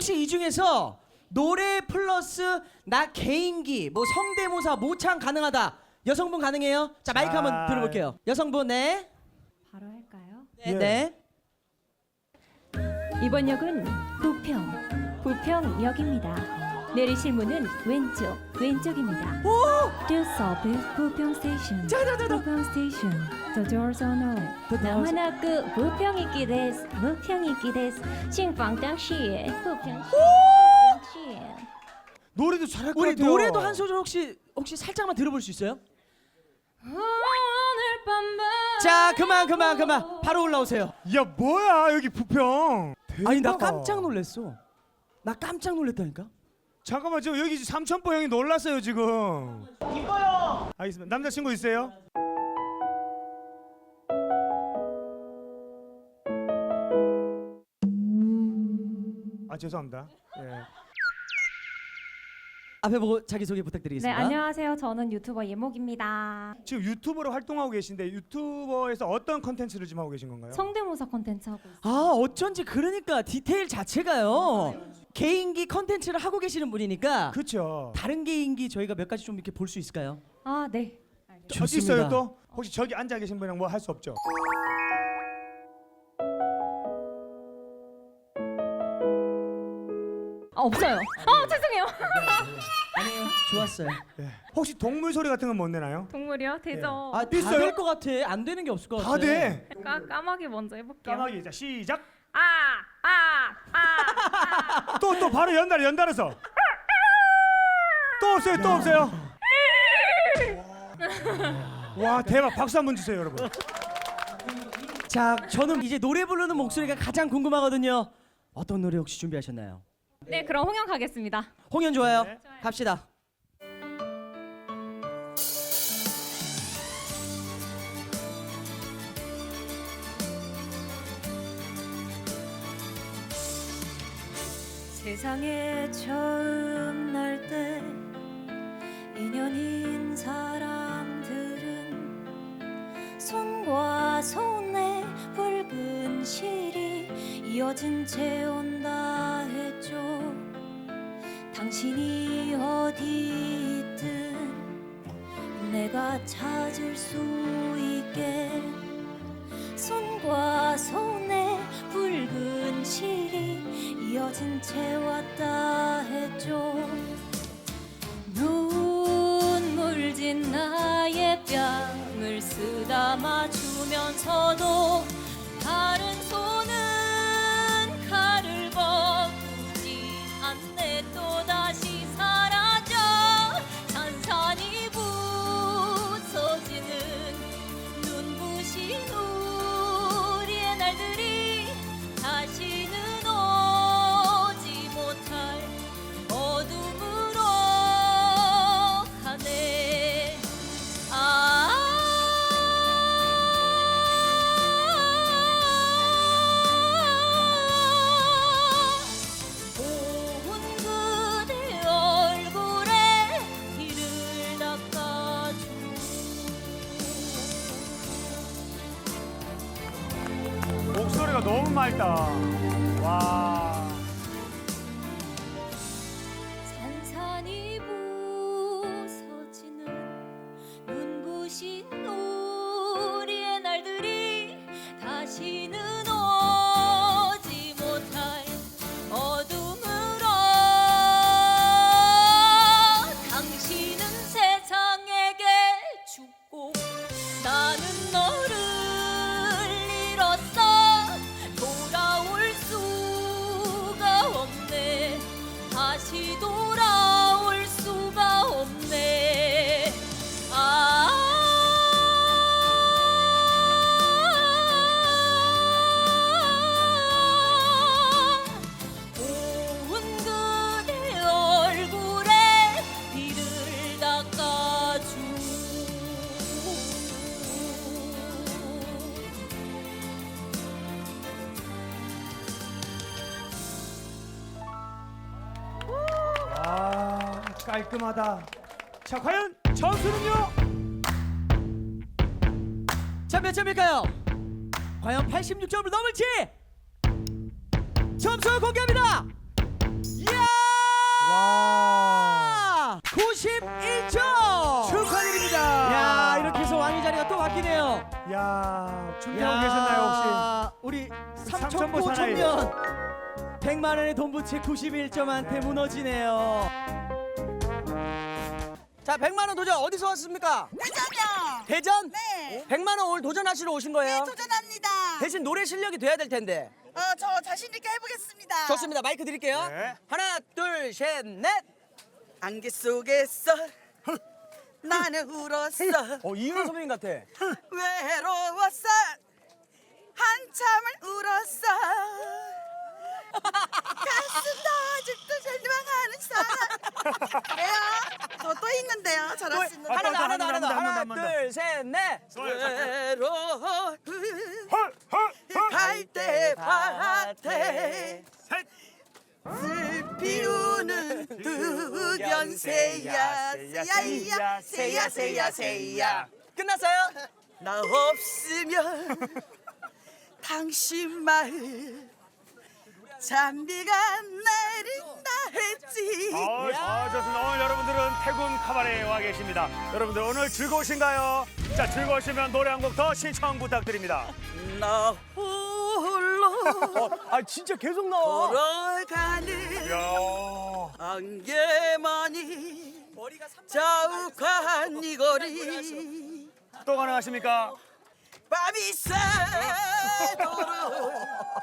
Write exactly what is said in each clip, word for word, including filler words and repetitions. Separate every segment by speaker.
Speaker 1: 혹시 이 중에서 노래 플러스 나 개인기 뭐 성대모사 모창 가능하다 여성분 가능해요? 자 마이크
Speaker 2: 자.
Speaker 1: 한번 들어볼게요. 여성분 네.
Speaker 3: 바로 할까요?
Speaker 1: 네.
Speaker 2: 예.
Speaker 1: 네.
Speaker 3: 이번 역은 부평, 부평역입니다. 내리실 문은 왼쪽, 왼쪽입니다.
Speaker 1: 오!
Speaker 3: Do service 부평 스테이션.
Speaker 1: 자, 자, 자, 자.
Speaker 3: 부평 스테이션. The doors are no. 나와나그 부평이기 데스, 부평이기 데스. 신방당시에 부평시, 부평시.
Speaker 2: 노래도 잘할 것
Speaker 1: 우리
Speaker 2: 같아요.
Speaker 1: 노래도 한 소절 혹시 혹시 살짝만 들어볼 수 있어요?
Speaker 3: 오늘 밤만.
Speaker 1: 자 그만 그만 그만 바로 올라오세요.
Speaker 2: 야 뭐야 여기 부평.
Speaker 1: 아니 나
Speaker 2: 대박.
Speaker 1: 깜짝 놀랐어. 나 깜짝 놀랐다니까.
Speaker 2: 잠깐만 지금 여기 삼천포 형이 놀랐어요 지금. 이뻐요. 알겠습니다. 남자친구 있어요? 아 죄송합니다. 예.
Speaker 1: 앞에 보고 자기 소개
Speaker 3: 네,
Speaker 1: 부탁드리겠습니다.
Speaker 3: 안녕하세요. 저는 유튜버 예목입니다.
Speaker 2: 지금 유튜버로 활동하고 계신데 유튜버에서 어떤 컨텐츠를 지금 하고 계신 건가요?
Speaker 3: 성대모사 콘텐츠 하고 있어요.
Speaker 1: 아 어쩐지 그러니까 디테일 자체가요. 개인기 컨텐츠를 하고 계시는 분이니까
Speaker 2: 그렇죠.
Speaker 1: 다른 개인기 저희가 몇 가지 좀 이렇게 볼 수 있을까요?
Speaker 3: 아, 네.
Speaker 2: 어디 있어요 또? 혹시 저기 앉아 계신 분이랑 뭐 할 수 없죠?
Speaker 3: 아, 없어요. 아, 죄송해요.
Speaker 1: 아니에요. 좋았어요.
Speaker 2: 예. 혹시 동물 소리 같은 건 못 내나요?
Speaker 3: 동물이요? 되죠.
Speaker 1: 아, 다
Speaker 2: 있어요?
Speaker 1: 될 것 같아. 안 되는 게 없을 것 같아.
Speaker 2: 다 돼.
Speaker 3: 까, 까마귀 먼저 해볼게요.
Speaker 2: 까마귀 자 시작.
Speaker 3: 아, 아, 아.
Speaker 2: 또 또 바로 연달 연달아서. 또 없어요 또 없어요. 와 대박 박수 한번 주세요 여러분.
Speaker 1: 자, 저는 이제 노래 부르는 목소리가 가장 궁금하거든요. 어떤 노래 혹시 준비하셨나요?
Speaker 3: 네, 그럼 홍영 가겠습니다.
Speaker 1: 홍연 좋아요.
Speaker 2: 네.
Speaker 1: 갑시다.
Speaker 3: 세상에 처음 날 때 인연인 사람들은 손과 손에 붉은 실이 이어진 채 온다 했죠. 당신이 어디 있든 내가 찾을 수 있게 손과 손에 붉은 실이 이어진 채 왔다 했죠. 눈물 진 나의 뺨을 쓰다마 주면서도 다른 손은 칼을 거두지 않네. 또다시 사라져 산산이 부서지는 눈부신 우리의 날들이 다시는 오지 못할 어둠으로 가네. 아 고운 그대 얼굴에 이를 닦아줘.
Speaker 2: 목소리가 너무 맑다. 와.
Speaker 3: 산산이 부서지는 눈부신 우리의 날들이 다시는 오지 못할 어둠으로 당신은 세상에게 죽고 나는 너를 잃었어. 돌아올 수가 없네. 다시 돌아올 수가 없네. 아 고운 그대 얼굴에 이를 닦아줘.
Speaker 2: 아 깔끔하다. 자 과연 점수는요?
Speaker 1: 자, 몇 점일까요? 과연 팔십육 점을 넘을지 점수 공개합니다.
Speaker 2: 야, 준비하고 계셨나요
Speaker 1: 우리
Speaker 2: 삼천포
Speaker 1: 삼천포
Speaker 2: 사나이.
Speaker 1: 청년 백만 원의 돈 부채 구십일 점한테 무너지네요. 자, 백만 원 도전 어디서 왔습니까?
Speaker 4: 대전이요.
Speaker 1: 대전?
Speaker 4: 네.
Speaker 1: 백만 원 오늘 도전하시러 오신 거예요?
Speaker 4: 네, 도전합니다.
Speaker 1: 대신 노래 실력이 돼야 될 텐데.
Speaker 4: 어, 저 자신 있게 해보겠습니다.
Speaker 1: 좋습니다. 마이크 드릴게요.
Speaker 2: 네.
Speaker 1: 하나, 둘, 셋, 넷.
Speaker 4: 안개 속에서 나는 울었어.
Speaker 1: 어, 이윤 선배님 같아.
Speaker 4: 외로웠어. 한참을 울었어. 가슴도 아직도 절망하는 사람. 왜요? 저 또 있는데요. 잘할 수 있는.
Speaker 1: 하나 더, 하나 더,
Speaker 2: 한
Speaker 1: 하나 더.
Speaker 2: 번 더, 한 번 더,
Speaker 1: 하나,
Speaker 2: 한 번 더.
Speaker 1: 둘, 셋, 넷.
Speaker 4: 외로운
Speaker 2: 헐, 헐, 헐.
Speaker 4: 갈대 밭에
Speaker 2: 셋.
Speaker 4: 슬피 우는 두견새야 새야야 새야 새야 새야.
Speaker 1: 끝났어요?
Speaker 4: 나 없으면 당신 마을 잔비가 내린다 했지.
Speaker 2: 어, 아, 좋습니다. 오늘 여러분들은 태군 카바레에 와 계십니다. 여러분들 오늘 즐거우신가요? 자, 즐거우시면 노래 한 곡 더 신청 부탁드립니다.
Speaker 4: 나 홀로
Speaker 1: 아, 진짜 계속 나와.
Speaker 4: 걸어가는
Speaker 2: 이야.
Speaker 4: 안개만이 자욱한 이 거리
Speaker 2: 또 가능하십니까?
Speaker 4: 밤이 새도록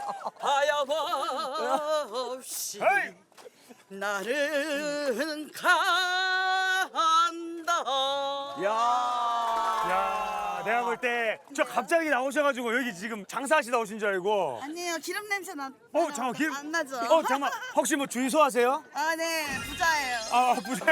Speaker 4: 하염없이
Speaker 2: 헤이!
Speaker 4: 나는 간다.
Speaker 1: 야.
Speaker 2: 야, 내가 볼 때 저 갑자기 나오셔가지고 여기 지금 장사하시다 오신 줄 알고.
Speaker 4: 아니에요, 기름 냄새 나.
Speaker 2: 어, 잠깐 길.
Speaker 4: 안 나죠?
Speaker 2: 어, 잠깐. 혹시 뭐 주유소 하세요?
Speaker 4: 아, 네, 부자예요.
Speaker 2: 아, 부자.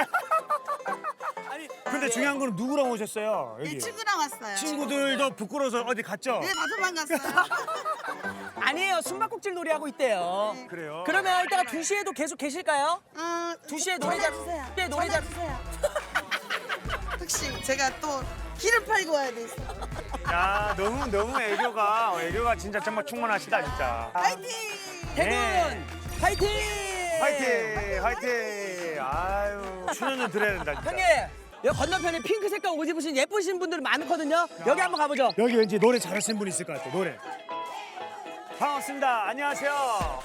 Speaker 2: 근데 중요한 거는 누구랑 오셨어요?
Speaker 4: 이
Speaker 2: 여기.
Speaker 4: 친구랑 왔어요.
Speaker 2: 친구들도 부끄러워서 어디 갔죠?
Speaker 4: 네, 다섯 번 갔어요.
Speaker 1: 아니에요. 숨바꼭질 놀이 하고 있대요.
Speaker 2: 그래요?
Speaker 1: 그러면 이따가 두 시에도 계속 계실까요?
Speaker 4: 어,
Speaker 1: 두 시에 노래 잘
Speaker 4: 주세요.
Speaker 1: 네, 노래 잘
Speaker 4: 주세요. 혹시 제가 또 기름 팔고 와야 돼 있어.
Speaker 2: 야, 너무 너무 애교가 애교가 진짜 정말 충만하시다 진짜.
Speaker 4: 파이팅!
Speaker 1: 태군
Speaker 2: 네.
Speaker 1: 파이팅!
Speaker 2: 화이팅, 화이팅. 아유, 출연을 드려야 된다 진짜.
Speaker 1: 형님, 여기 건너편에 핑크 색깔 옷 입으신 예쁘신 분들 많거든요. 여기 한번 가보죠.
Speaker 2: 여기 왠지 노래 잘하시는 분 있을 것 같아. 노래. 반갑습니다. 안녕하세요.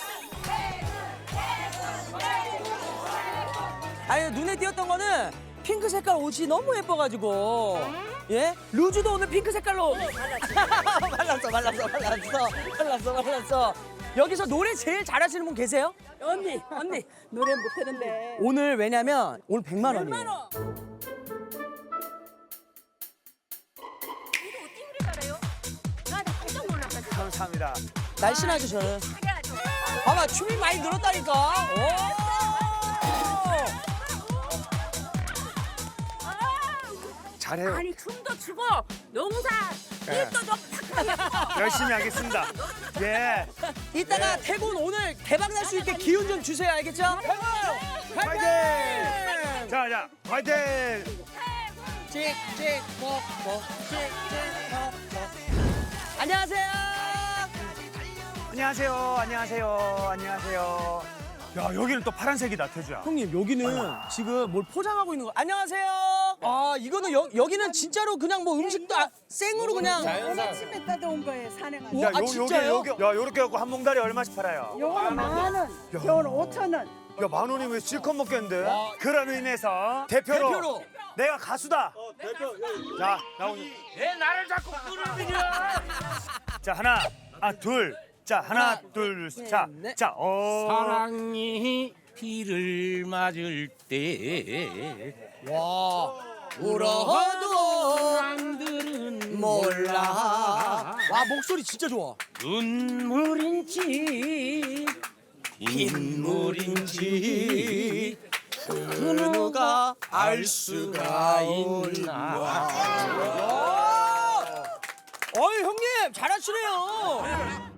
Speaker 1: 아니, 눈에 띄었던 거는 핑크 색깔 옷이 너무 예뻐가지고. 예? 루즈도 오늘 핑크 색깔로. 말랐어, 말랐어, 말랐어, 말랐어, 말랐어. 여기서 노래 제일 잘하시는 분 계세요?
Speaker 5: 언니, 언니 노래 못하는데.
Speaker 1: 오늘 왜냐면 오늘 백만 원이에요.
Speaker 2: 감사합니다.
Speaker 1: 날씬하죠, 저는. 봐봐, 춤이 많이 늘었다니까. 오!
Speaker 2: 잘해요.
Speaker 5: 아니 춤도 추고 농사 일도 좀 팍팍.
Speaker 2: 열심히 하겠습니다. 예.
Speaker 1: 이따가 태군 오늘 대박 날 수 있게 기운 좀 주세요, 알겠죠? 태군!
Speaker 2: 화이팅! 자, 자, 화이팅!
Speaker 1: 찍찍 먹먹 찍찍 먹먹. 안녕하세요.
Speaker 2: 안녕하세요. 안녕하세요. 안녕하세요. 야, 여기는 또 파란색이다, 태주야.
Speaker 1: 형님, 여기는 지금 뭘 포장하고 있는 거. 안녕하세요. 아, 이거는 여, 여기는 진짜로 그냥 뭐 음식도 아, 생으로 그냥.
Speaker 5: 아침에 따다온 거예요 산에 가서.
Speaker 1: 오, 아, 진짜요?
Speaker 2: 요게, 야, 요렇게 갖고 한 몽다리 얼마씩 팔아요?
Speaker 5: 요거는 만 원, 요거는 오천 원.
Speaker 2: 야, 만 원이면 왜 실컷 먹겠는데? 그런 의미에서 대표로,
Speaker 1: 대표로.
Speaker 2: 내가 가수다. 자, 나오니.
Speaker 6: 왜 나를 자꾸 끌어들여?
Speaker 2: 자, 하나, 아, 둘. 자, 하나,
Speaker 1: 하나,
Speaker 2: 둘,
Speaker 1: 셋,
Speaker 2: 자,
Speaker 1: 넷.
Speaker 2: 자, 어.
Speaker 6: 사랑이 비를 맞을 때
Speaker 1: 와. 울어도
Speaker 6: 사람들은
Speaker 1: 몰라. 와, 목소리 진짜 좋아.
Speaker 6: 눈물인지 빗물인지 그 누가 알 수가 있나.
Speaker 1: 어이, 형님, 잘하시네요.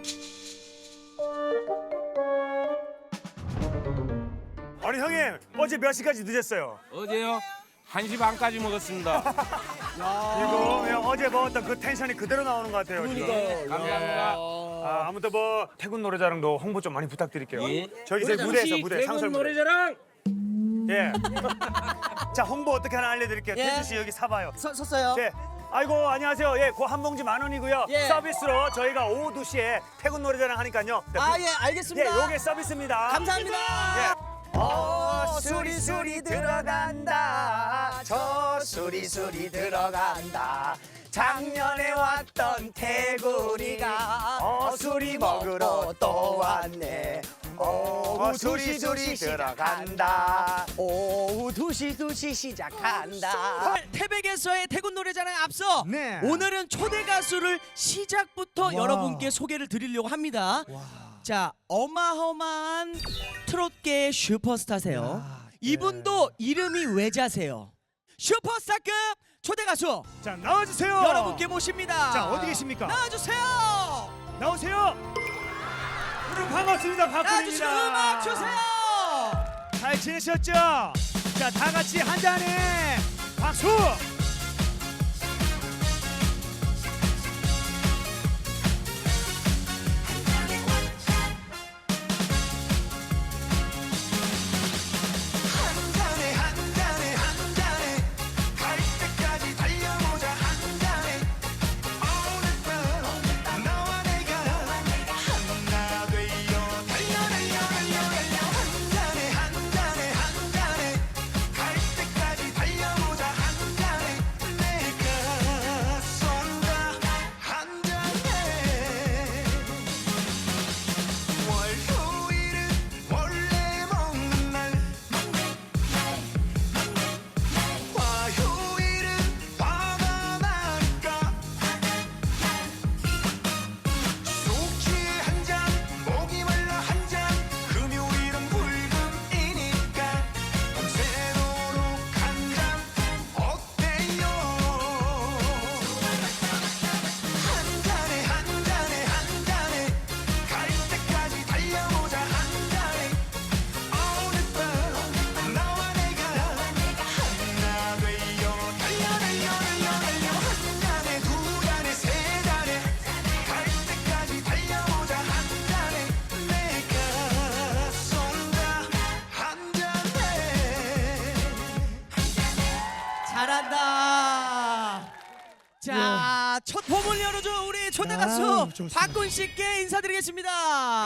Speaker 2: 아니, 형님, 어제 몇 시까지 늦었어요?
Speaker 6: 어제요 한 시 반까지 먹었습니다.
Speaker 2: 이거 그냥 어제 먹었던 그 텐션이 그대로 나오는 것 같아요. 지금.
Speaker 6: 감사합니다.
Speaker 2: 아, 아무튼 뭐 태군 노래자랑도 홍보 좀 많이 부탁드릴게요.
Speaker 6: 예.
Speaker 2: 저희 이제 무대에서 무대 상설
Speaker 6: 태군
Speaker 2: 무대.
Speaker 6: 노래자랑
Speaker 2: 예. 자, 홍보 어떻게 하나 알려드릴게요.
Speaker 1: 예.
Speaker 2: 태주 씨 여기 사봐요.
Speaker 1: 서, 섰어요.
Speaker 2: 제 아이고 안녕하세요. 예, 그 한 봉지 만 원이고요.
Speaker 1: 예.
Speaker 2: 서비스로 저희가 오후 두 시에 태군 노래자랑 하니까요.
Speaker 1: 아, 예,
Speaker 2: 예,
Speaker 1: 알겠습니다.
Speaker 2: 요게 서비스입니다.
Speaker 1: 감사합니다.
Speaker 2: 예. 어, 수리 수리 들어간다. 저 수리 수리 들어간다. 작년에 왔던 태군이가 어 수리 먹으러 또 왔네. 오후 두 시 두 시 들어간다. 오후 두 시 두 시 시작한다.
Speaker 1: 태백에서의 태군 노래자랑에 앞서
Speaker 2: 네.
Speaker 1: 오늘은 초대 가수를 시작부터 여러분께 소개를 드리려고 합니다. 자, 어마어마한 트롯계의 슈퍼스타세요. 이분도 이름이 외자세요. 슈퍼스타급 초대 가수
Speaker 2: 자 나와주세요.
Speaker 1: 여러분께 모십니다.
Speaker 2: 자 어디 계십니까?
Speaker 1: 나와주세요.
Speaker 2: 나오세요. 여러분 반갑습니다.
Speaker 1: 나와주시고
Speaker 2: 박군입니다.
Speaker 1: 음악 주세요.
Speaker 2: 잘 지내셨죠? 자, 다 같이 한 잔에 박수! 한 잔에 한 잔에 한 잔에 갈 때까지 달려보자 한 잔에 오늘 밤 너와 내가 하나 되어 달려 달려 달려 달려 한 잔에 한 잔에 한 잔에 갈 때까지 달려보자 한 잔에 내가 쏜다 한 잔에 월요일은 원래 먹는 날 화요일은 화가 나니까 숙취에 한 잔, 목이 말라 한 잔, 금요일은 불금이니까 밤새도록 한 잔 어때요? 한 잔에 한 잔에 한 잔에 갈 때까지 달려보자 한 잔에 오늘 밤 너와 내가 하나 되어 달려 달려 달려 달려 한 잔에 두 잔에 세 잔에 갈 때까지 달려보자 한 잔에 내가 쏜다 한 잔에
Speaker 1: 잘한다. 자, 첫 봄을 열어줘 우리 초대 가수 박군 씨께 인사드리겠습니다.